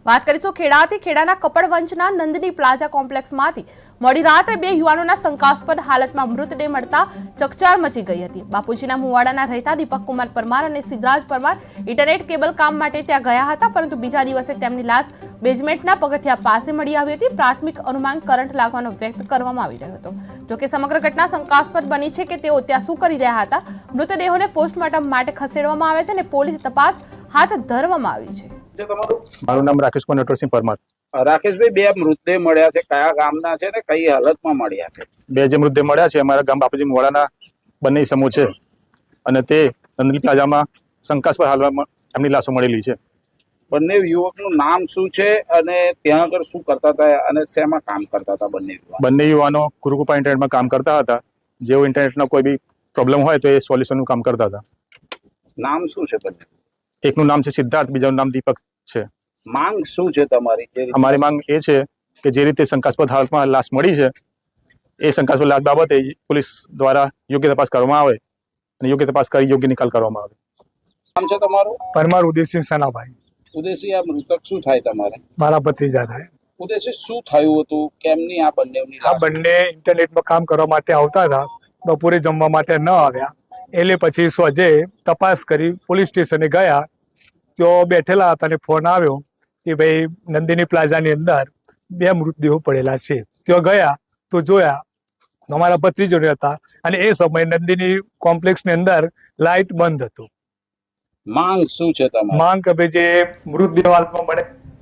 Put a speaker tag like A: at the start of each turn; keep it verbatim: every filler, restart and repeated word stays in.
A: વાત કરીશું ખેડાથી ખેડાના કપડવંચના નંદની પ્લાઝા કોમ્પ્લેક્સમાંથી મોડી રાત્રે બે યુવાનોના શંકાસ્પદ હાલતમાં મૃતદેહ મળતા ચકચાર મચી ગઈ હતી। બાપુજીના મુવાડાના રહેતા દીપક કુમાર પરમાર અને સિદ્ધરાજ પરમાર ઇન્ટરનેટ કેબલ કામ માટે ત્યાં ગયા હતા, પરંતુ બીજા દિવસે તેમની લાશ બેઝમેન્ટના પગથિયા પાસે મળી આવી હતી। પ્રાથમિક અનુમાન કરંટ લાગવાનો વ્યક્ત કરવામાં આવી રહ્યો હતો। જોકે સમગ્ર ઘટના શંકાસ્પદ બની છે કે તેઓ ત્યાં શું કરી રહ્યા હતા। મૃતદેહોને પોસ્ટમોર્ટમ માટે ખસેડવામાં આવે છે અને પોલીસ તપાસ હાથ ધરવામાં આવી છે।
B: મારું નામ રાકેશ કુમાર નટવરસિંહ પરમાર।
C: રાકેશભાઈ, બે મૃતદેહ મળ્યા છે, કયા ગામના છે ને કઈ હાલતમાં મળ્યા છે?
B: બે જે મૃતદેહ મળ્યા છે અમારા ગામ બાપુજી મુવાડાના બંને સમૂહ છે અને તે નંદની પ્લાઝામાં શંકાસ્પદ હાલમાં એમની લાશો મળેલી છે।
C: બંને યુવકનું નામ શું છે અને ત્યાં આગળ શું કરતા હતા અને શેમાં કામ કરતા હતા? બંને યુવક
B: બંને યુવાનો ગુરુકૃપા ઇન્ટરનેટમાં કામ કરતા હતા। જેઓ ઇન્ટરનેટનો કોઈ બી પ્રોબ્લેમ હોય તો એ સોલ્યુશનનું કામ કરતા હતા।
C: નામ શું છે બંને?
B: એકનું નામ છે સિદ્ધાર્થ, બીજાનું નામ દીપક છે।
C: માંગ શું છે તમારી?
B: અમારી માંગ એ છે કે જે રીતે શંકાસ્પદ હાલતમાં લાશ મળી છે એ શંકાસ્પદ લાશ બાબતે પોલીસ દ્વારા યોગ્ય તપાસ કરવામાં આવે અને યોગ્ય તપાસ કરી યોગ્ય નિકાલ કરવામાં આવે।
C: નામ છે તમારું?
D: પરમાર ઉદયસિંહ સનાભાઈ।
C: ઉદયસિંહ, આ મૃતક શું થાય તમારે?
D: મારા ભત્રીજા થાય।
C: ઉદયસિંહ, શું થયું હતું? કેમની આ બંનેની
D: આ
C: લાશ?
D: બંને ઇન્ટરનેટમાં કામ કરવા માટે આવતા હતા, બપોરે જમવા માટે ન આવ્યા, એટલે પછી સોજે તપાસ કરી પોલીસ સ્ટેશને ગયા। તેઓ બેઠેલા હતા અને ફોન આવ્યો કે ભાઈ નંદિની પ્લાઝાની અંદર બે મૃતદેહો પડેલા છે। તેઓ ગયા તો જોયા અમારા ભત્રીજોને હતા અને એ સમયે નંદિની કોમ્પ્લેક્સની અંદર લાઇટ બંધ હતું।
C: માંગ શું છે તમારી?
D: માંગ કે ભાઈ જે મૃતદેહ હાલતમાં મળે